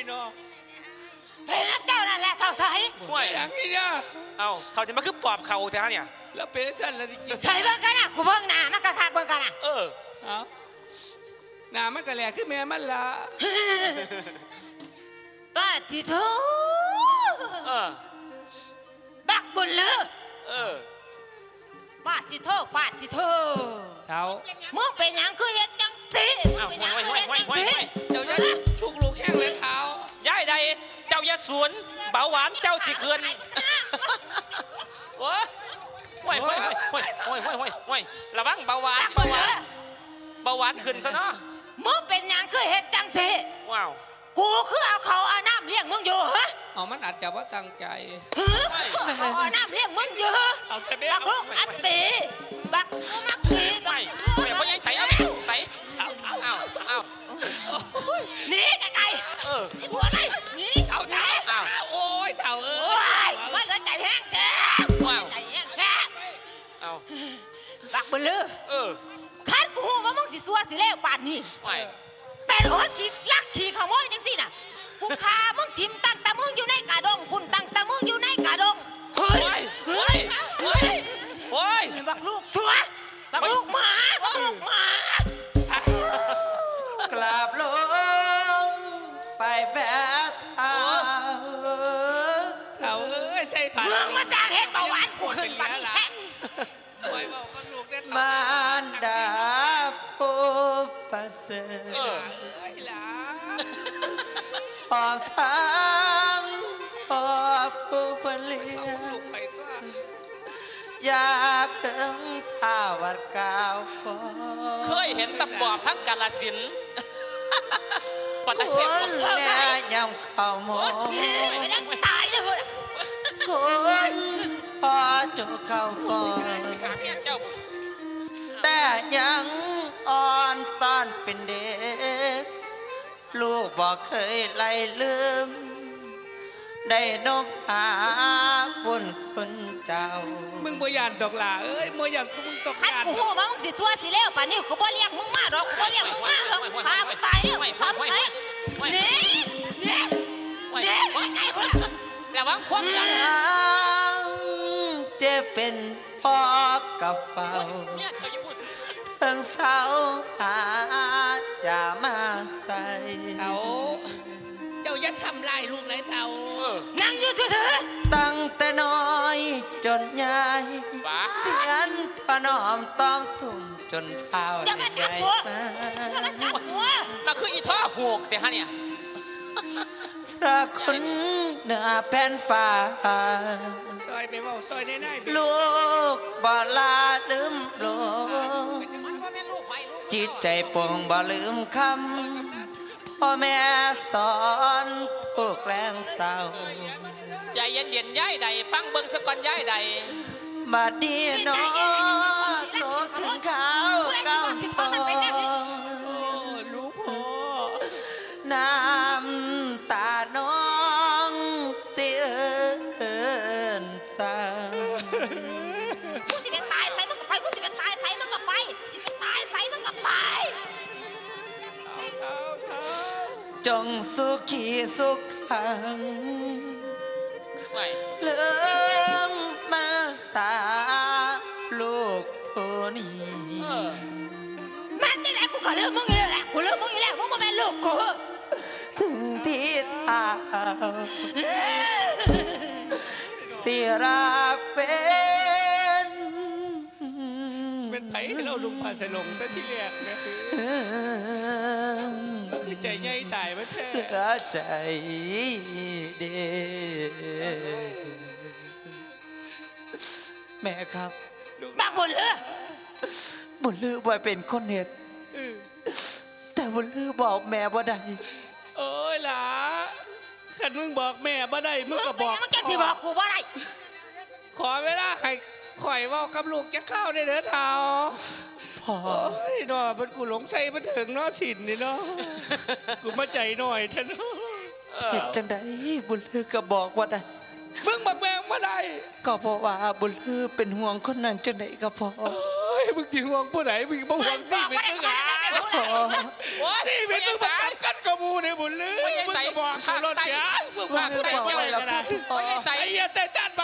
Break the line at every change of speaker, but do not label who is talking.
เนาะ
เป็นนักเจ้านั่นแหละเท่าใส
ห่วยอย่างนี้เนี่ย
เอาเขาจะมาคือปอบเขาแท้เนี่ย
แล้วเป็นสั้นแล้วจริง
ใส่เบิ่งกันนะกูเบิ่งหน้ามันกระคักเบิ่งกันนะ
เอาหน้ามันกระแหลกขึ้นแม่มันละ
ป้าที่โถบักบุญเลือป้าที่โถป้าที่โถ
เท้า
มึงเป็นหยังคือเฮ็ดจังสิเป็นหยังคือเฮ็ดจังสิ
เจ้าจะชุกลูกแข้งเลยเท้า
ย้ายใดเจ้าอย่าสวนเบาหวานเจ้าสิเคือนโอ้ยระวังเบาหวานขึ้นซะเนาะ
มึงเป็นหยังคือเฮ็ดจังสิ
ว้าว
กูคือเอาเขาเอาน้ำเลี้ยงมึงอยู่ฮะ
เอามันอาจจะว่าตั้งใจ
เอาน้ำเลี้ยงมึงอยู่
เอาแต่เบี้ย
บักลูกอัตติบักมักตี
ไม่เพราะยังใส่เอาใส่เอา
นี่ไกลๆนี่บัวอะไรนี่
เท้าโอ้ยเท้า
ว่าเหลือใจแห้งแท้ใจแห้งแท้
เอา
บักบุญลือคัดกูว่ามึงสิซัวสิเลวป่านนี้เป็นหัวขี้ลักขี้ขโมยจังสิน่ะกูฆ่ามึงทิมตั้งแต่มึงอยู่ในกระดงคุณตั้งแต่มึงอยู่ในกระดงเฮ้ยบักลูกซัวบักลูกหมาก
ราบลงไปแบบ
เท้าใช่ผ่าน
มึงมาสร้างเห็ดเบาหวานกูขึ้นไปแท้
มารดาผู้ประเสริฐพอทั้งพอผู้ผลิตอยากถึงท่าวัดกาว
เคยเห็นตะปอบทั้งกาลสิน
ปัตตานีแม่ยำข้าวหมู
ไม่ได้ตายเลย
คนพอจุเข้าฟอนแต่ยังอ่อนตอนเป็นเด็กลูกบอกเคยไล่ลืมได้นบหาบุญคุณเจ้า
มึงบ่ยานดอกหล่าบ่ยานมึงตก
ยานกูว่ามึงสิซัวสิเลวป่านนี้กูบ่เรียกมึงมาดอกกูบ่เรียกมึงมาหรอกพามึงตายเนี่ยพามึงตายนี่ไกลๆคนละ
ระวังความยัน
จะเป็นพ่อกับเฝ้าทั้งเสาหาจะมาใส่
เจ้าอย่าทำลายลูกเลยเท้า
นั่งอยู่เฉย
ๆตั้งแต่น้อยจนใหญ่เตียนถนอมต้องทุ่มจนเท้าใหญ่
มาคืออีท่อหกแต่ฮะเนี่ย
พระคุณเหนือแผ่นฟ้า
ซอยไปเมาซอยได้
ลูกบ่ลาลืมโลกจิตใจปวงบ่ลืมคำพ่อแม่สอนพวกแรงเศร้า
ใจเย็นเย็นย้ายใดฟังเบิ้งสกอนย้ายใด
บัดนี้น้องโลกถึงเขาเก้าทอง
ลูกพ่อ
น้ำตาน้องเสียนสาง
มึงสิเป็นตายใส่มึงก็ไปมึงสิเป็นตายใส่มึงก็ไปสิเป็นตายใส่มึงก็ไป
จงสุขีสุขขังเลื่อมมาสาลูกผู้นี้
มันนี่แหละกูก็เลือกมึงอยู่แล้วกูเลือกมึงอยู่แล้วมึงมาเป็นลูกกู
ถึงที่ทางเสียรัก
เป็นไผ่เราลุงพาสลงแต่ที่แรกเนี่ยคือใจใหญ่ตายมาแท้
ใจเด็แม่ครับ
บักบุญลือ
บ่เป็นคนเหตุแต่บุญลือบอกแม่บ่ได้
โอ้ยล่ะขันมึงบอกแม่บ่ได้มึงก็บอก
มึงจะสิบอกกูบ่ได้
ขอเวลาให้ข่อยว่ากับลูกจะเข้าได้เด้อเท้า
พ่อ
หน่อยมันกูหลงใส่มันถึงเนาะสินนี่เนาะกูมาใจหน่อยท่าน
เห็นจังไดบุญลือก็บอกว่าได้
มึงบอกแม่มาได้
ก็เพราะว่าบุญลือเป็นห่วงคนนั้นจังไดก็พอ
มึงถึงห่วงผู้ไหนมึงบ่ห่วงที่เป็นมึงอ่ะที่เป็นมึงมาทำกันกับมูในบุญลือมึงก็บอกกูรถเสียมึงพากูได้ยังไงก็ได้
พ่อ
ไอ้เหี้ยแต่ตัน